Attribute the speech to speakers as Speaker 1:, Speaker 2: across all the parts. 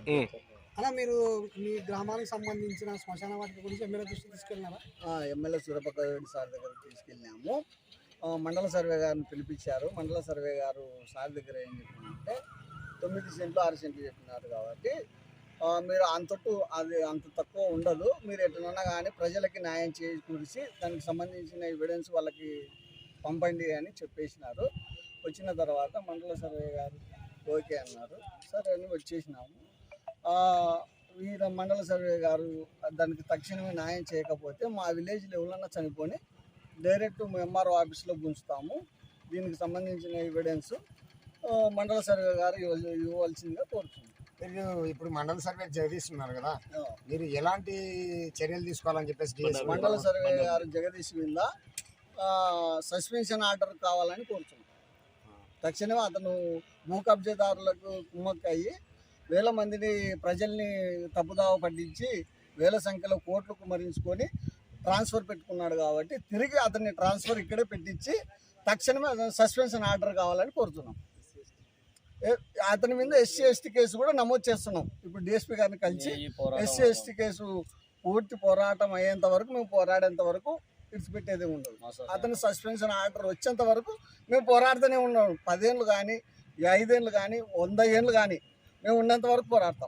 Speaker 1: అలా మీరు మీ గ్రామానికి సంబంధించిన శ్మశాన వాటిక గురించి ఎమ్మెల్యే దృష్టికి తీసుకెళ్ళినారా?
Speaker 2: ఎమ్మెల్యే సూర్యప్రకాష్ రెడ్డి సార్ దగ్గరికి తీసుకెళ్ళాము. మండల సర్వే గారిని పిలిపించారు. మండల సర్వే గారు సార్ దగ్గర ఏం చెప్పినారంటే 9 సెంట్లు 6 సెంట్లు చెప్పినారు కాబట్టి మీరు అంత తక్కువ ఉండదు, మీరు ఎట్లన్నా కానీ ప్రజలకి న్యాయం చేకూర్చి దానికి సంబంధించిన ఎవిడెన్స్ వాళ్ళకి పంపండి అని చెప్పేసినారు. వచ్చిన తర్వాత మండల సర్వే గారు ఓకే అన్నారు. సరే అని వచ్చేసినాము. వీళ్ళ మండల సర్వే గారు దానికి తక్షణమే న్యాయం చేయకపోతే మా విలేజ్లో ఎవరన్నా చనిపోయి డైరెక్ట్ ఎంఆర్ఓ ఆఫీస్లో గుంచుతాము. దీనికి సంబంధించిన ఎవిడెన్స్ మండల సర్వే గారు ఇవ్వాల్సిందిగా కోరుతున్నాం.
Speaker 1: మీరు ఇప్పుడు మండల సర్వే జగదీస్తున్నారు కదా, మీరు ఎలాంటి చర్యలు తీసుకోవాలని చెప్పేసి
Speaker 2: మండల సర్వే గారు జగదీష్ మీద సస్పెన్షన్ ఆర్డర్ కావాలని కోరుతున్నాం. తక్షణమే అతను భూ కబ్జాదారులకు కుమ్మక్కయ్యి వేల మందిని ప్రజల్ని తప్పుదావ పట్టించి వేల సంఖ్యలో కోట్లు కుమ్మరించుకొని ట్రాన్స్ఫర్ పెట్టుకున్నాడు కాబట్టి తిరిగి అతన్ని ట్రాన్స్ఫర్ ఇక్కడే పెట్టించి తక్షణమే సస్పెన్షన్ ఆర్డర్ కావాలని కోరుతున్నాం. అతని మీద ఎస్సీ ఎస్టీ కేసు కూడా నమోదు చేస్తున్నాం. ఇప్పుడు డిఎస్పీ గారిని కలిసి ఎస్సీ ఎస్టీ కేసు పూర్తి పోరాటం అయ్యేంత వరకు, మేము పోరాడేంత వరకు విడిచిపెట్టేదే ఉండదు. అతని సస్పెన్షన్ ఆర్డర్ వచ్చేంత వరకు మేము పోరాడుతూనే ఉన్నాం. 10 ఏళ్ళు కానీ 5 ఏళ్ళు కానీ 100 ఏళ్ళు కానీ మేము ఉన్నంత వరకు పోరాడతాం.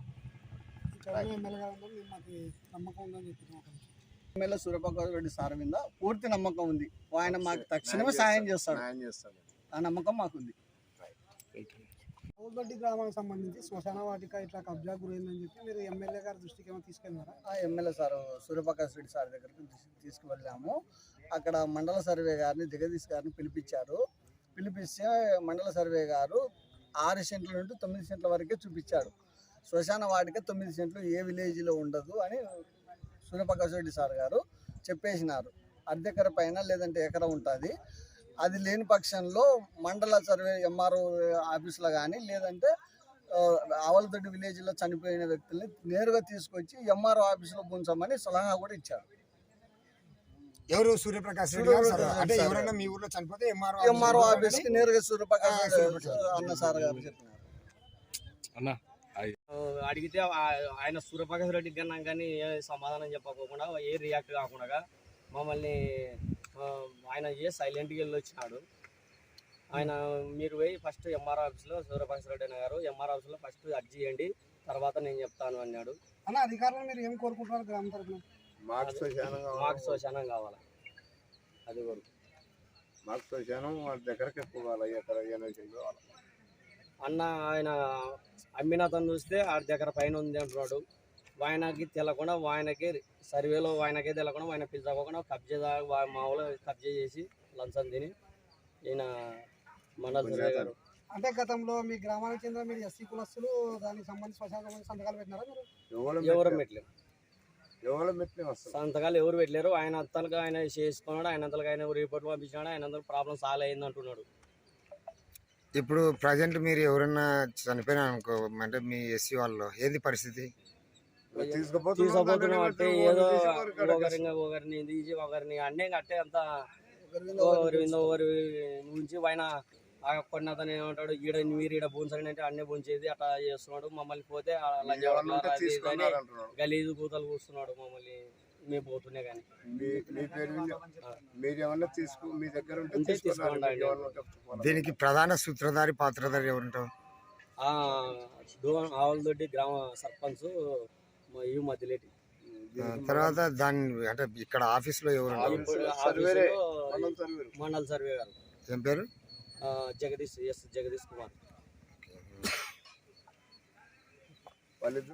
Speaker 2: ఎమ్మెల్యే సూర్యప్రకాష్ రెడ్డి సార్ మీద పూర్తి నమ్మకం ఉంది. ఆయన మాకు తక్షణమే సాయం చేస్తాడు. ఆ నమ్మకం మాకుంది.
Speaker 1: ఓల్బట్టి గ్రామానికి సంబంధించి శ్మశాన వాటిక ఇట్లా కబ్జా గురైందని చెప్పి మీరు ఎమ్మెల్యే గారి దృష్టికి ఏమైనా తీసుకెళ్ళినారా?
Speaker 2: MLA sir Suryaprakash Reddy sir దగ్గరికి తీసుకువెళ్ళాము. అక్కడ మండల సర్వే గారిని జగదీష్ గారిని పిలిపించారు. పిలిపిస్తే మండల సర్వే గారు 6 సెంట్ల నుండి 9 సెంట్ల వరకే చూపించాడు. శ్మశాన వాటిక 9 సెంట్లు ఏ విలేజ్లో ఉండదు అని సూర్యప్రకాష్ రెడ్డి సార్ గారు చెప్పేసినారు. అర్ధెకర పైన లేదంటే ఎకరం ఉంటుంది. అది లేని పక్షంలో మండల సర్వే ఎంఆర్ఓ ఆఫీసులో కానీ లేదంటే ఆవలదొడ్డి విలేజ్లో చనిపోయిన వ్యక్తుల్ని నేరుగా తీసుకొచ్చి ఎంఆర్ఓ ఆఫీసులో ఉంచమని సలహా కూడా ఇచ్చారు.
Speaker 1: ఎవరు? సూర్యప్రకాష్ రెడ్డి అంటే ఎవరైనా మీ ఊర్లో చనిపోతే
Speaker 2: ఎంఆర్ఓ ఆఫీస్కి నేరుగా సూర్యప్రకాష్ అన్న సార్ గారు చెప్పినారు.
Speaker 3: అడిగితే ఆయన సూర్యప్రకాష్ రెడ్డి కన్నా కానీ ఏ సమాధానం చెప్పకుండా, ఏ రియాక్ట్ కాకుండా మమ్మల్ని ఆయన సైలెంట్గా వెళ్ళి వచ్చినాడు. ఆయన మీరు పోయి ఫస్ట్ ఎంఆర్ ఆఫీస్లో సూర్యప్రకాష్ రెడ్డి అన్న గారు ఎంఆర్ ఆఫీస్లో ఫస్ట్ అర్జీ చేయండి, తర్వాత నేను చెప్తాను అన్నాడు.
Speaker 1: అన్న అధికారులు మీరు ఏం కోరుకుంటున్నారు? గ్రామ తరఫున
Speaker 3: మాకు శ్మశానం కావాలి. అది వరకు
Speaker 4: మాకు శ్మశానం దగ్గరకి
Speaker 3: అన్న ఆయన అమ్మిన అతను చూస్తే ఆ దగ్గర పైన ఉంది అంటున్నాడు. ఆయనకి తెలకుండా ఆయనకే సర్వేలో ఆయనకే తెలకుండా ఆయన పిలుచుకోకుండా కబ్జా మామూలు కబ్జా చేసి లంచం తిని ఈయన మండల సర్వే గారు.
Speaker 1: అంటే గతంలో మీ గ్రామానికి చెందిన మీరు ఎస్సీ కులస్తులు దానికి సంబంధించి సంతకాలు పెట్టినారా?
Speaker 3: ఎవరు పెట్టలేరు సంతకాలు ఎవరు పెట్టలేరు. ఆయన అంతలుగా ఆయన చేసుకున్నాడు. ఆయన అంతలుగా ఆయన రిపోర్ట్ పంపించినాడు. ఆయన అంతా ప్రాబ్లం సాల్వ్ అయింది అంటున్నాడు.
Speaker 5: ఇప్పుడు ప్రజెంట్ మీరు ఎవరైనా చనిపోయినా అనుకో, అంటే మీ ఎస్సీ వాళ్ళలో ఏది పరిస్థితి?
Speaker 3: తీసుకుపోతున్నాం అంటే ఏదో ఒకరిని తీసి ఒకరిని అన్నీ కట్టే అంతా ఒకరి నుంచి ఆయన కొన్ని అతను ఏమంటాడు, మీరు భూంచండి అంటే అన్నీ భూంచేది అట్లా చేస్తున్నాడు. మమ్మల్ని పోతే గలీజు కూతలు కూస్తున్నాడు. మమ్మల్ని మేము పోతున్నాయి కానీ
Speaker 5: దీనికి ప్రధాన సూత్రధారి పాత్రధారి ఎవరుంటారు?
Speaker 3: ఆవలదొడ్డి గ్రామ సర్పంచ్ మధ్యలేటి.
Speaker 5: తర్వాత దాని అంటే ఇక్కడ ఆఫీస్లో ఎవరు?
Speaker 3: మండల సర్వే గారు.
Speaker 5: ఏం పేరు?
Speaker 3: జగదీష్ కుమార్.